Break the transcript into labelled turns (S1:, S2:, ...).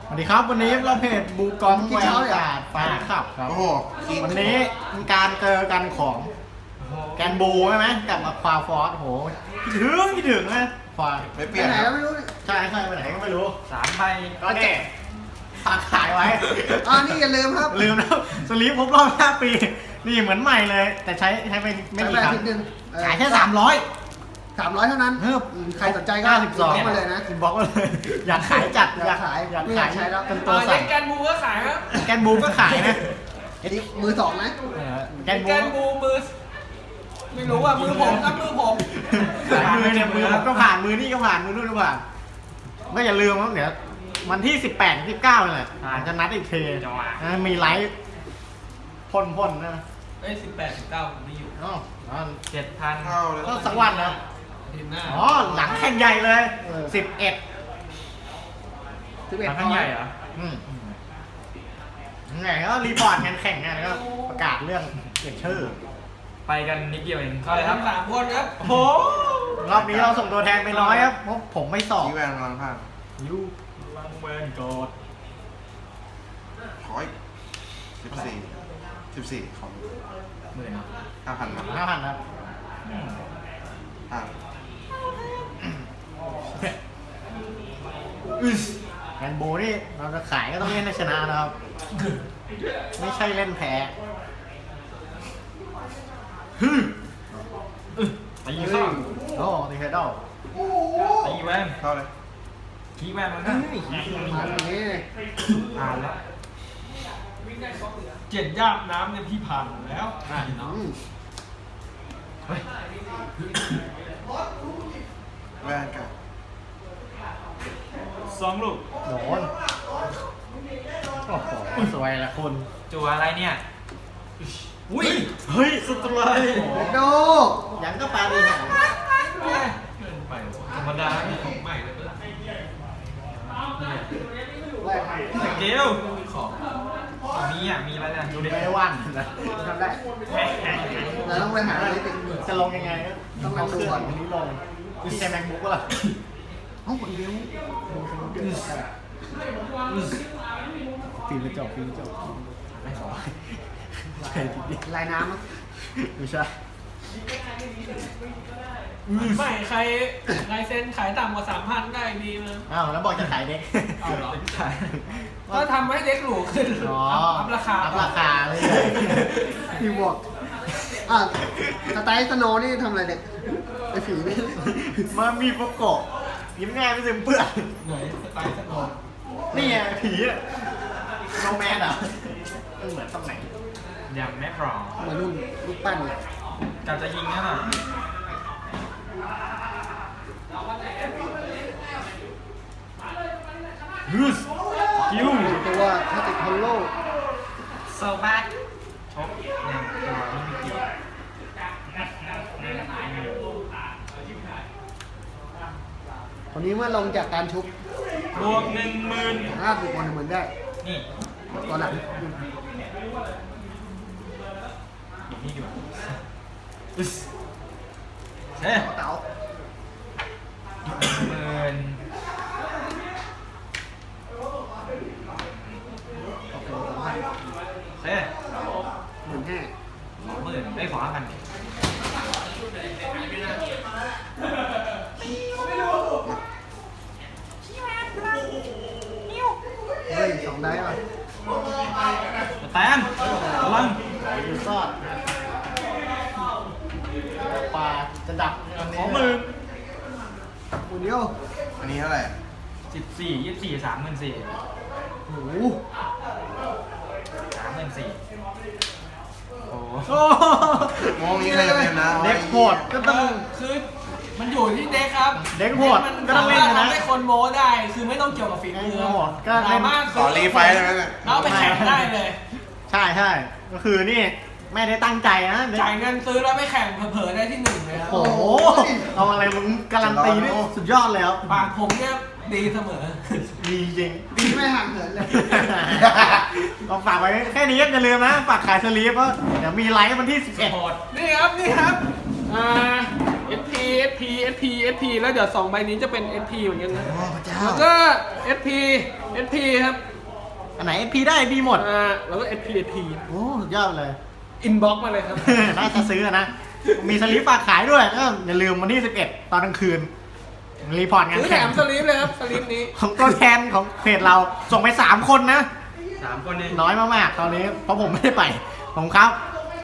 S1: สวัสดีครับวันนี้เราเพจบูกองแวร์การ์ดฟ้าขับครับ
S2: โอ้โห
S1: วันนี้มีการเจอกันของแกนบูใช่ไหมกับมาควาฟอสโหคิดถึงนะควา
S2: ไม่เป
S3: ไป
S2: ลี่ยน
S3: ไหน
S2: ค
S3: ก็
S2: รับ
S3: ไม่รู้
S1: ใช่ไปไหนก็ไม่รู้
S4: 3 ใบ
S1: ก็เนี่ยฝากขายไว้
S3: นี่อย่าลืมครับ
S1: ลืมแล้วสลีปครบรอบ5 ปีนี่เหมือนใหม่เลย แต่ใช้ไปไม่กี่ครั้ง
S3: ใช้ไปอาทิตย์หนึ่ง
S1: ขายแค่300
S3: 300เท่านั้น
S1: เฮ้ย
S3: ใครสนใจก็
S1: 52
S3: บล็อกมาเลยนะ
S1: บล็อกมาเลย อยากขายจัด
S3: อยากขาย
S1: อยาก
S3: ไม่อ
S1: ขาย
S3: ยากใช้แล้ว
S1: เป็นตัว
S4: เล่
S1: สั่ง
S4: นแกนบูก็ขายครับ
S1: แกนบูก็ขายนะ
S3: อันนี้มือสองนะ
S1: แกนบู
S4: แกนบูมือ ไม่รู้ว่ามือผมครับมือผม
S1: ขายมือเนี่ยมือผมก็ผ่านมือนี่ก็ผ่านมือนู่นก็ผ่านก็อย่าลืมว่าเดี๋ยววันที่18 19นี่แหละจะนัดอีกทีมีไลฟ์พ่นนะ
S4: เอ้ย18 19ผมไม่อยู่
S1: อ๋อ
S4: 7,000
S2: เข้าเลย
S1: ก็สักวันนะ
S4: ทีหน้า
S1: อ๋อหลังแข่งใหญ่เลย 11
S4: หลังข้างใหญ่เหรอ
S1: ไงก็รีพอร์ตงานแข่งไงแล้วก็ประกาศเรื่องเปลี่ยนชื่อ
S4: ไปกันนิดเดียวเองเข้าเลยครับ3 คนครับโอ้โห
S1: รอบนี้เราส่งตัวแทนไปน้อยครับเพราะผมไม่สอบ
S2: ชี้แวนกำลังพลาด
S1: ยูลังเวนโกด
S2: ขออีก14ของ
S4: 10,000
S2: 5,000ครับ
S1: 5,000ครับ
S2: อ่า
S1: แอนโบนี่เราจะขายก็ต้องเล่นให้ชนะนะครับ ไม่ใช่เล่นแพ้
S4: ตีข้าง
S1: โอ้ตีเฮดดอล
S4: ตีแวน
S2: เข้าเลย
S4: ขี้แวนมันก็
S3: มาตรงนี้
S4: ผ่านแล้วเจ็ดย่ามน้ำเนี่ยพี่ผ่านแล้วเนาะ
S2: แวนกับ
S4: 2 ลูก
S1: โดนโอ้โหสวยละคุณ
S4: จัวอะไรเนี่ยอุ้ย
S1: เฮ้ยสุดเลย
S3: โด
S1: ยังก็ปาดีหาง
S4: เกินไปธรรมดาไม่ของใหม่เลยก็ได้สเกลของมีอะไรนะดูดิ
S1: ไม่ได้ว่านนะ
S3: ทำได้เราต้องไปหาอะไรติด
S1: จะลงยังไงก็
S3: ต้องลองดูก่อน
S1: วันนี้ลงพี่ใช้แมคบุ๊กก็ล่ะ
S3: ห้องคนเดียว
S1: ฟิล์มกระจกไม่ขอใช่ทีเดียว
S3: ลายน้ำอะ
S1: ไม่ใช่
S4: ไม่ใครลายเซ็นขายต่ำกว่า 3,000 ได้ดีมั้ย
S1: อ้าวแล้วบอกจะขายเด็ก
S4: เอาเหรอก็ทำให้เด็กหรูขึ้น
S1: อ๋อ
S4: อัพราคา
S1: อัพราคาเลย
S3: พี่บอกสไตล์สโนว์นี่ทำอะไรเด็กไอ้ผีนี่
S1: มามีโปโกะยิ้มง่ายไม่ซึมเปื้อน
S4: ไหนสไตล์สโนว์
S1: นี่ไงผีอะโนแมนอ่ะมันเหมือนตรงไหน
S4: ยังไม่พร้อม
S3: เหมือนนุ่นลูกปั้นเลย
S4: การจะยิงนั่นน่ะ
S1: ฮึสคิว
S3: ตัวถ้าติดฮอลโล
S4: โซบักชกเนี่ยตัวไม่มีเกี่ยว
S3: คนนี้เมื่อลงจากการชุบบ
S4: วก 10,000
S3: บุคคลเหมือนได้
S4: นี่
S3: ตอนหลัง
S4: อยู่นี่ดีกว่าเฮ้ย
S3: เต๋า
S4: 10,000 เฮ้ย
S3: 15,000
S4: 20,000ได้2,000
S3: เฮ้ย2ได้ป่ะ
S4: แตนพลัง
S1: ยูซอดปลาจะดับอันนี้
S4: 20,000
S3: คนเดียว
S2: อันนี้เท่าไหร่
S4: 14 24 34,000
S3: โอ้โห
S4: โอ้โห
S1: โอ้
S2: มองนี้ใครจะเป็นนะ
S1: เด็กโหดก็ต้อง
S4: คือมันอยู่ที่เด็กครับ
S1: เด็กโหด
S4: มัน
S1: ก็ต้
S4: สา
S1: องเล่น
S4: มารถ
S1: นะ
S4: ทำให้คนโม้ได้ คือไม่ต้องเกี่ยวกับฝีมือ
S1: เด็กโหดก็เล่น
S4: สามารถ
S2: ขอรีไฟล์ได้ไหมเนี่ย
S4: แล้วเอาไปแข่งได้เลย
S1: ใช่ก็คือนี่ไม่ได้ตั้งใจนะ
S4: จ่ายเงินซื้อแล้วไปแข่งเผลอๆได้ที่ 1เลยครับ
S1: โอ้โหเอาอะไรมึงการันตีนี่สุดยอดเลยครับ
S4: ปากผมเนี่ยดีเสมอ
S1: ดีจริง
S3: ดีไม่ห่างเหินเลย
S1: ก็ฝากไว้แค่นี้อย่าลืมนะฝากขายสลีปเพราะเดี๋ยวมีไลฟ์วันที่ 11
S4: นี่ครับSP SP SP SP แล้วเดี๋ยว2 ใบนี้จะเป็น SP เหมือนกันนะ
S1: โอ้พระเจ้า
S4: แล้วก็ SP
S5: SP ครับ
S1: อันไหน SP ได้ SP หมด
S5: แล้วก็ SP
S1: โอ้สุดยอดเลย
S5: อินบ็อกมาเลยครับ
S1: น่าจะซื้อนะ มีสลิปฝากขายด้วยก็อย่าลืมวันที่11ตอนกลางคืน รีพอร์ตงาน
S5: ซื้อแถ
S1: แข่ง
S5: มสลิปเลยครับสลิปนี้
S1: ของตัวแทนของเพจเราส่งไป3 คนนะ
S4: 3 คนเอง
S1: น้อยมากๆตอนนี้เพราะผมไม่ได้ไปผมครับ